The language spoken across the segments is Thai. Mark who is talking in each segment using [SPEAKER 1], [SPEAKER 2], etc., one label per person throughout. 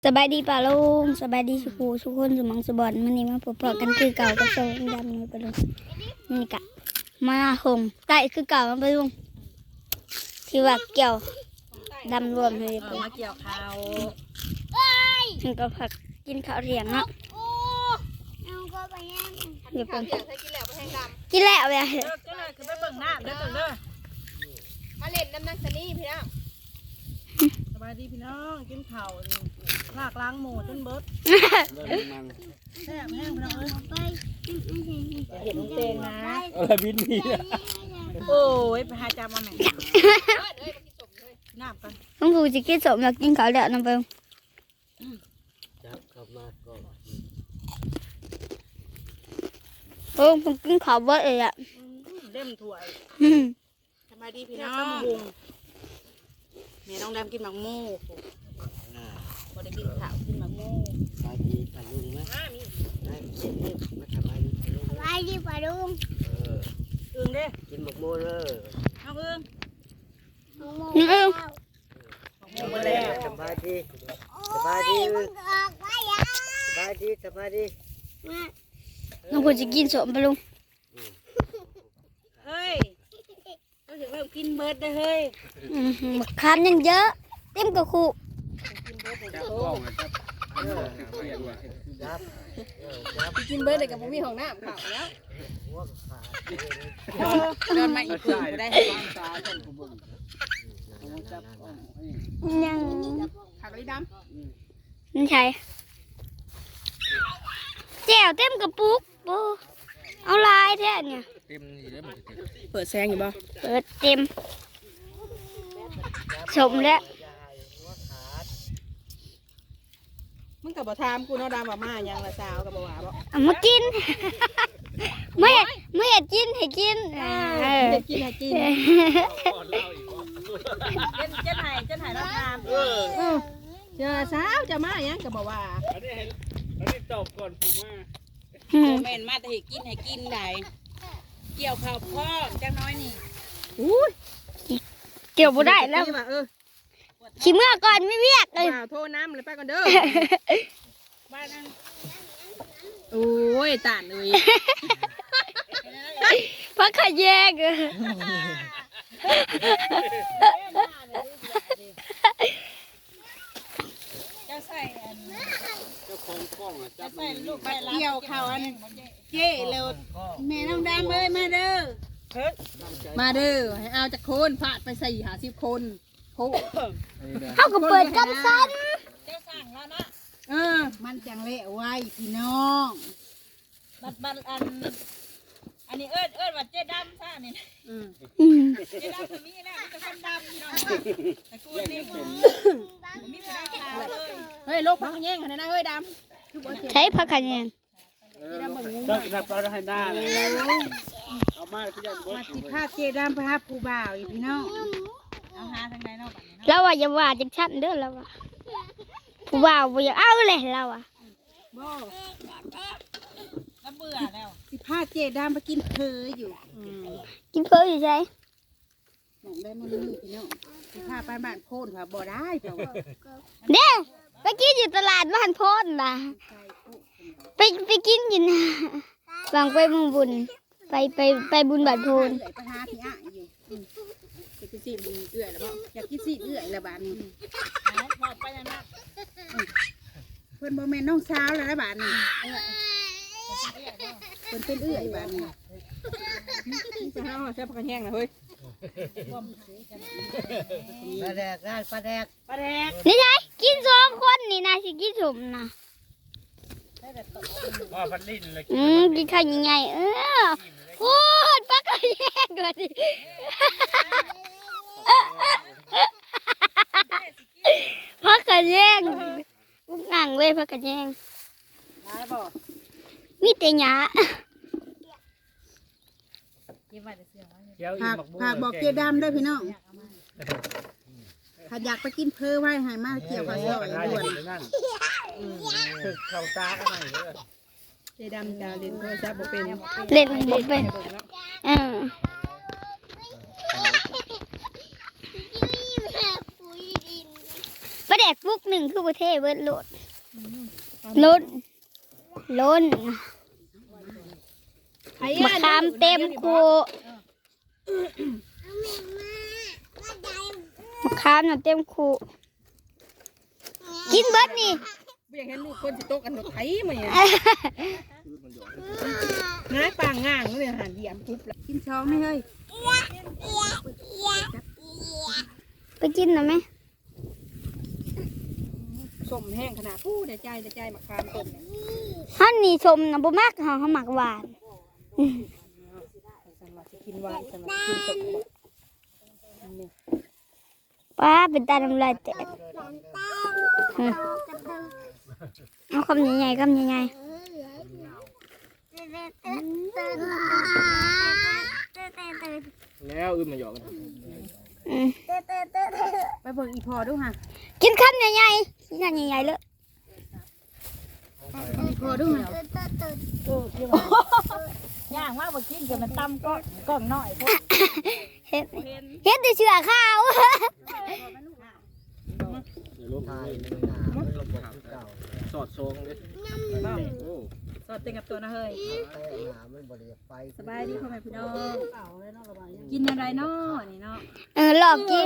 [SPEAKER 1] สบายดีป่าลุงสบายดีสุขูสุขคนสมองสบอนมันนี่มาพบกันคือเก่ากับโซนดำนี่ป่าลุงนี่กะมาหงไก่คือเก่าป่าลุงที่ว่าเกี่ยวดำรวมเลยป่า
[SPEAKER 2] มาเกี่ยวข้าว
[SPEAKER 1] ถึงก็ผักกินข้าวเรียงเนาะเดี๋ยว
[SPEAKER 2] ข้า
[SPEAKER 1] เพิ่
[SPEAKER 2] วน เที่ยงเคยกินแล้วไปแห้งดำ
[SPEAKER 1] กินแล้วเลย
[SPEAKER 2] เลิกก็เลยคือไปเบิ่งน้ำเด้อเด้อมาเล่นน้ำนักสนี่พี่น้องสบายดีพี่น้องกินข้าวลากล้างหมูจนเบิดแซ่บแห้งพี่น้องเอ้ยเห็นเตงนะ
[SPEAKER 3] อะไรบินนี่
[SPEAKER 2] โอ้ยไปหาจามาแม่น้ำกัน
[SPEAKER 1] น้องผูจะกินสมอยากกินข้าวเรียงน้ำเปิ้ล
[SPEAKER 3] จับกลับมาก่อน
[SPEAKER 1] ผมกินข้าวเบิดเลยอ่ะ
[SPEAKER 2] เล่มถ้วยสบายดีพี่น้องแม่น้องดำกินหมักหมูพอได้กินข้าวกินหมักหมู
[SPEAKER 3] สบายดีปลาลุงไหมได้เย็นเลยมาสบายดีปลาลุง
[SPEAKER 2] อึ้งเด้
[SPEAKER 3] กินหมกโมเลย
[SPEAKER 2] น้องอึ้ง
[SPEAKER 1] นี่เอง
[SPEAKER 2] หมูแล้ว
[SPEAKER 3] สบายดีสบายดีสบายดีสบายดี
[SPEAKER 1] น้องผูจะกินสมป่าลุง
[SPEAKER 2] เฮ้ยเราถึงแบบกินเบิร์ดได้เฮ้ย
[SPEAKER 1] มะขามยังเยอะเต็มกระคุ
[SPEAKER 2] กินเบิร์ดเลย
[SPEAKER 3] จับ
[SPEAKER 2] โอ้
[SPEAKER 3] กล้องจับจับจับ
[SPEAKER 2] กินเบิร์ดเลยกับผมมีของน้ำเขาแล้ว
[SPEAKER 3] หัวขา
[SPEAKER 2] เดินมาอีกคืนก็ได้ให้ความสาจนผมบุญ
[SPEAKER 1] ยัง
[SPEAKER 2] ผักลิด
[SPEAKER 1] นี่ใช่แจ่วเต็มกระปุกโอ้เอาลายแท้เนี่ย
[SPEAKER 3] เต็มนี่แล้วมัน
[SPEAKER 2] ำเปิดแซงอยู่บ่
[SPEAKER 1] เปิดเต็มสมแล้ว
[SPEAKER 2] มึงกับบ่ทามกูเนาะดำบ่มายังละสาวกับบ่ว่าบ่
[SPEAKER 1] เอามากิน ไม่อยากกินให้กินเออ
[SPEAKER 2] เด็กกินให้กินเจ้าไหนเราทามเจอสาวจะมายังกับบ่ว่า
[SPEAKER 3] อันนี้ตอบก่อนผมว่า
[SPEAKER 2] แม่นมาแต่ให้กินได้เกี่ยวข้าวพ่อจังน้อยนี่
[SPEAKER 1] เกี่ยวบ่ได้แล้ว
[SPEAKER 2] ว่า
[SPEAKER 1] ขี้เมื่อก่อนไม่เวียกเลย
[SPEAKER 2] โทรน้ำเลยไปก่อนเด้อบ้านนั้นโอ้ยตานเลย
[SPEAKER 1] เพราะขยแยกเออ
[SPEAKER 2] จะใส่อัน
[SPEAKER 3] เจ้าของกล้องจับ
[SPEAKER 2] ใส่ลูกไปเกี่ยวข้าวอันเจ๊เร็วแม่น้องดำเอ้ยมาเด้อมาเด้อให้เอาจากคนพาดไป40 คนโอ้
[SPEAKER 1] เขาก็เปิดกันซัน
[SPEAKER 2] เจ้าสั่งแล้วนะมันจังเละไว้พี่น้อง บัดอันนี้เอิ้นว่าเจ๊ดำซ่านี่เจ๊ดำก็มีนะมันจะคนดำพี่น้องแต่กูนี่มีผู้ได้ขาวเลยเฮ้ยลูกพักแย่งกันนะเฮ้ยดำ
[SPEAKER 1] ใช้ผักขยแยง
[SPEAKER 3] ต้องจับปลาให้หน้าเลยเอามาที่ยันบด
[SPEAKER 2] สิพาเจ๊ดำไปหาผู้บ่าวอีพี่น้องเอาหาทางใดเนาะบัดนี้เนาะ
[SPEAKER 1] เราว่าอย่าว่าจังชั้นเด้อเราว่าผู้บ่าวบ่อยากเอาเลยเราอ่ะ
[SPEAKER 2] บ่แล้วเบื่อแล้วสิพาเจ๊ดำไปกินเพออยู่
[SPEAKER 1] กินเพิ่มอยู่ใช่
[SPEAKER 2] หนังได้มันนี่พี่น้องสิพาไปบ้านโพนค่ะบ่ได้เจ้า
[SPEAKER 1] เด้ไปกินอยู่ตลาดบ้านโพนล่ะไปกินอยู่นะวางไปเมืองบุญไปบุญบาทโพน
[SPEAKER 2] ไปหาพี่อ่ะอยู่จะกินสิเอื่อยแล้วบ่อยากกินสิเอื่อยแล้วบาดนี้พอไปแล้วนะเพิ่นบ่แม่นน้องสาวแล้วนะบาดนี้เพิ่นเป็นเอื่อยบาดนี้จะหาว่าแซ่บกันแห้งนะเฮ้ย
[SPEAKER 3] ปลาแดกได้ปลาแดก
[SPEAKER 2] ปลาแดก
[SPEAKER 1] นี่ไงกิน2 คนนี่นะสิกินสมนะ
[SPEAKER 3] ว่าพันลิ้นเลย
[SPEAKER 1] กินข้าวยังไงโอ้ยปักกระแยกเลยดิพักกระแยงอุ้งอ่างเลยพักกระแยง
[SPEAKER 2] ได้บ่
[SPEAKER 1] มีแต่หยา
[SPEAKER 2] ฝากบอกเจ๊ดำด้วยพี่น้องถ้าอยากไปกินเพอไว้ให้มาเกี่ยวกับซอยด่วน
[SPEAKER 3] นั่นถึกเข่าตาอะไรเยอะ
[SPEAKER 2] เจ๊ดำจะเล่นโทรศัพท์บ่เป็น
[SPEAKER 1] เล่นบ่เป็นปลาแดกกปุ๊กหนึ่งคือประเทศเบิดโหลดล้นมะขามเต็มคูมะขามน่ะเต็มคูกินเบิดนี่
[SPEAKER 2] ไม่อยากเห็นลูกคนสิโตกันรถไถมาเนี่ยง่ายปางง่างเลยหันเหยียบปุ๊บแล้วกินช้องไม่เฮ้ย
[SPEAKER 1] ไปกินหน่อยไหม
[SPEAKER 2] สมแห้งขนาดผู้เดี๋ยวใจมะขามต้มเนี่ย
[SPEAKER 1] ฮันนี่ชมนะบ่มากเขาหมักหวาน
[SPEAKER 2] สำหรับกินหวานสำหรับกินสม
[SPEAKER 1] ป้าเป็นตาน้ำลายแตกเอาคำใหญ่ๆคำใหญ่
[SPEAKER 3] แล้วอึมมาหยอกกัน
[SPEAKER 2] ไปเบิ่งอีพอดูฮะ
[SPEAKER 1] ๆกินคำใหญ่ๆกินคำใหญ่ๆเลย
[SPEAKER 2] อีพอดูฮะย่างว่าบ่กินจนมันตำก้องน้อยพวก
[SPEAKER 1] เฮ็ดได้เชื่อข้าว
[SPEAKER 3] เดี๋ยวลบให้สอดโซงเลย
[SPEAKER 2] สอดเต็มกับตัวนะเฮ้ยสบายดีพ่อแม่พี่น้องกินอะไรเนาะนี่เนาะ
[SPEAKER 1] หลอกกิน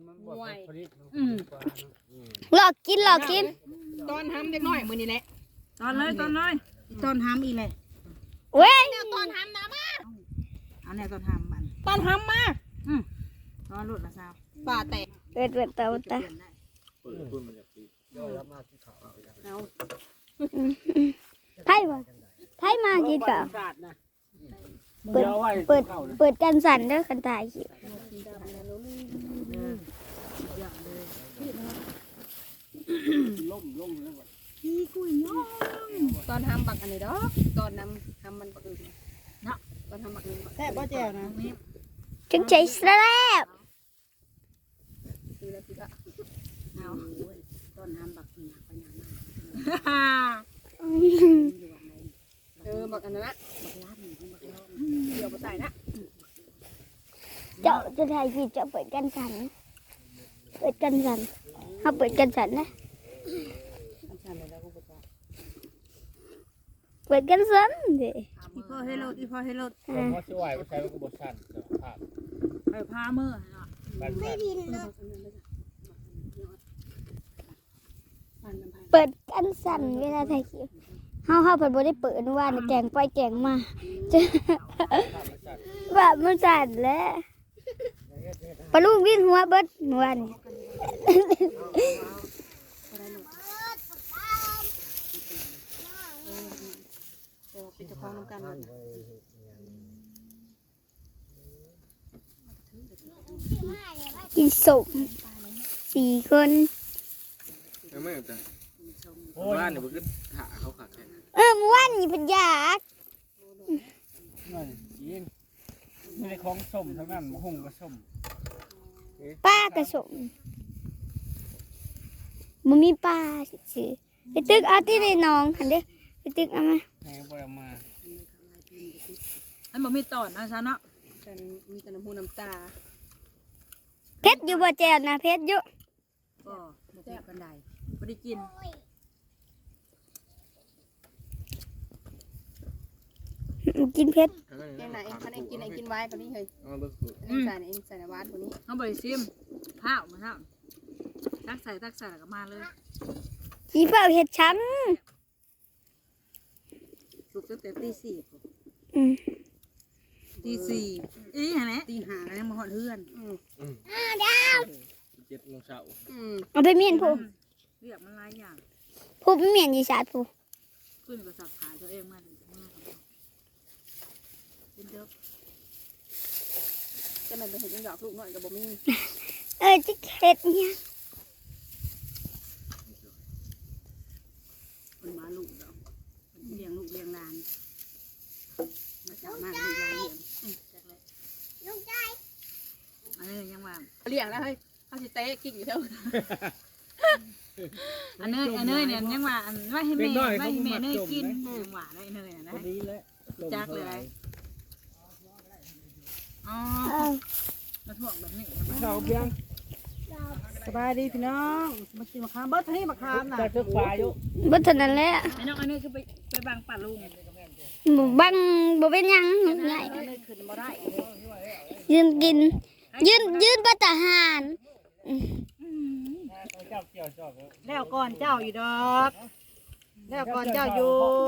[SPEAKER 1] หลอกกิน
[SPEAKER 2] ตอนทำเด็กน้อยมือนี่แหละตอนเลยตอนทำอีเลย
[SPEAKER 1] เว้ย
[SPEAKER 2] ตอนทำนะมาเอาแนวตอนทำมันตอนทำมาตอนหลุดละสาวป่าแตก
[SPEAKER 1] เปิดเตาตา
[SPEAKER 2] เอา
[SPEAKER 1] ไพ่มากินก่อนเปิดกันสั่นเด้อคันตายคิว
[SPEAKER 2] ตอนทำบักอันนี้ดอกตอนทำมันบักอื่นเนาะตอนทำบักนี้แค่บ่แจ่วนะ
[SPEAKER 1] จึงใจแซ่บ
[SPEAKER 2] คือแล้วคือก็เอาตอนทำบักนี่ปัญญามากบักอันนั้นนะบักล้านบักล้านเดี๋ยวมาใส่นะ
[SPEAKER 1] เจ้าจะถ่ายคลิปจะเปิดกันสั่นเขาเปิดกันสั่นนะเปิดกันสั่นดิ
[SPEAKER 2] อีพ่อให้รถ
[SPEAKER 3] ผมว่าช่วยใช้กระบอกสั้นภาพ
[SPEAKER 2] ไปพามือ
[SPEAKER 3] ไม่ดิน
[SPEAKER 1] เปิดกันสั่นเวลาถ่ายคลิปเขาเปิดบ่ได้เปิดว่าแกงไปแกงมาแบบมันสั่นแล้วปลาลูกวิ่งหัวเบิดเมื่อวานนี้
[SPEAKER 2] เป็นเจ้าของน้ำกัน
[SPEAKER 1] กินสม4 คน
[SPEAKER 3] ไม่เอาจ้ะบ้านเนี่ยมันก็หาเขาขาดแค่
[SPEAKER 1] เมื่อวานนี้เพิ่นอยาก
[SPEAKER 3] นั่นยิงมีในของส้มทั้งนั้นมะฮุ่งก็ส้ม
[SPEAKER 1] ป้ากระสมบ่มีป้าซื่อไปตึกเอาที่ในหนองหั่นเด้อไปตึกเอามา
[SPEAKER 3] แม่ไปมา
[SPEAKER 2] อันบ่มีตอนนะซะเนาะแต่มีแต่น้ำหูน้ำตา
[SPEAKER 1] เพชรอยู่บ่แจ่วนะเพชรอยู่
[SPEAKER 2] ก็บ่ได้กันใดบ่ได้กิน
[SPEAKER 1] กินเพชร
[SPEAKER 2] แกงไหนคันเองกินไอ้กินไว้ตัวนี้เฮ้ย
[SPEAKER 3] เอาเบิก
[SPEAKER 2] ใส่เองใส่ในวานตัวนี้เขาบ่ได้ซิมข้าวมาเท่าตักใส่แล้วก็มาเลย
[SPEAKER 1] ขี้เผาเห็ดช้
[SPEAKER 2] สุกตั้งแต่ตี
[SPEAKER 1] ำอืม
[SPEAKER 2] 4อีหั่นแหละตี 5แล้วยังบ่ฮอดเฮือน
[SPEAKER 3] 7 โมงเช้า
[SPEAKER 1] เอาไปเมียนผู้
[SPEAKER 2] เรียกมันหลายอย่าง
[SPEAKER 1] ผู้ไปเมียนยีสาดผู้
[SPEAKER 2] ขึ้นก็สับขายตัวเองมาเป็นเด้อจะมันไปเห็นยังดอกลูกน้อยก็บ่มี
[SPEAKER 1] จะเห็ดเนี่ย
[SPEAKER 2] มันมาลูกดอกเลี้ยงลูกเลี้ยงหลานมาจากมากลูกหลานเลี้ยงจากเลยลูกชายอันนี้ยังว่าเลี้ยงแล้วเฮ้ยเขาสิเตะกิ่งอยู่เท่าอันเนยเนี่ยยังว่าอันไว้ให้แม่เนยกินยังว่าได้เนยนะจักเลยไรอ๋อมาถ่วงแบบนี้
[SPEAKER 3] เช้าเพียง
[SPEAKER 2] สบายดีพี่น้องมากินมะขามเบิร์ดที่มะขามน่ะ
[SPEAKER 3] ตึกปลาอยู่
[SPEAKER 1] บ่เท่านั้นแหละ
[SPEAKER 2] ไอ้น้องอันนี้คือไปบังป่าลุง
[SPEAKER 1] บ่บังบ่เป็นหยังง่าย
[SPEAKER 2] อันนี้ขึ้นบ่ได้
[SPEAKER 1] ยืนกิน ยืนบ่ทหาร
[SPEAKER 3] เจ้าเกี่ยวจอบ
[SPEAKER 2] แล้วก่อนเจ้าอยู่ดอกแล้วก่อนเจ้าอยู่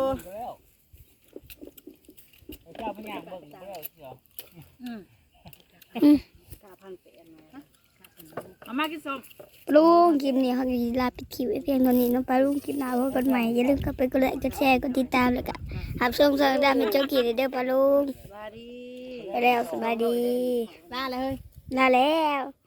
[SPEAKER 3] เจ้าพญาเบิ่งแล้วเกี่ยว
[SPEAKER 2] กาพันเป็นเอามากินส้ม
[SPEAKER 1] ลุงคลิปนี้เขาจะลาปิดคลิปไว้เพียงเท่านี้เนาะปลาลุงคลิปหน้าพบกันใหม่อย่าลืมเข้าไปกดไลค์กดแชร์กดติดตามแล้วก็หับชมสารดามเป็นเจ้ากี่เด้อปลาลุง
[SPEAKER 2] สบายดี
[SPEAKER 1] ไปแล้วสบายดี
[SPEAKER 2] ลาเลย
[SPEAKER 1] ลาแล้ว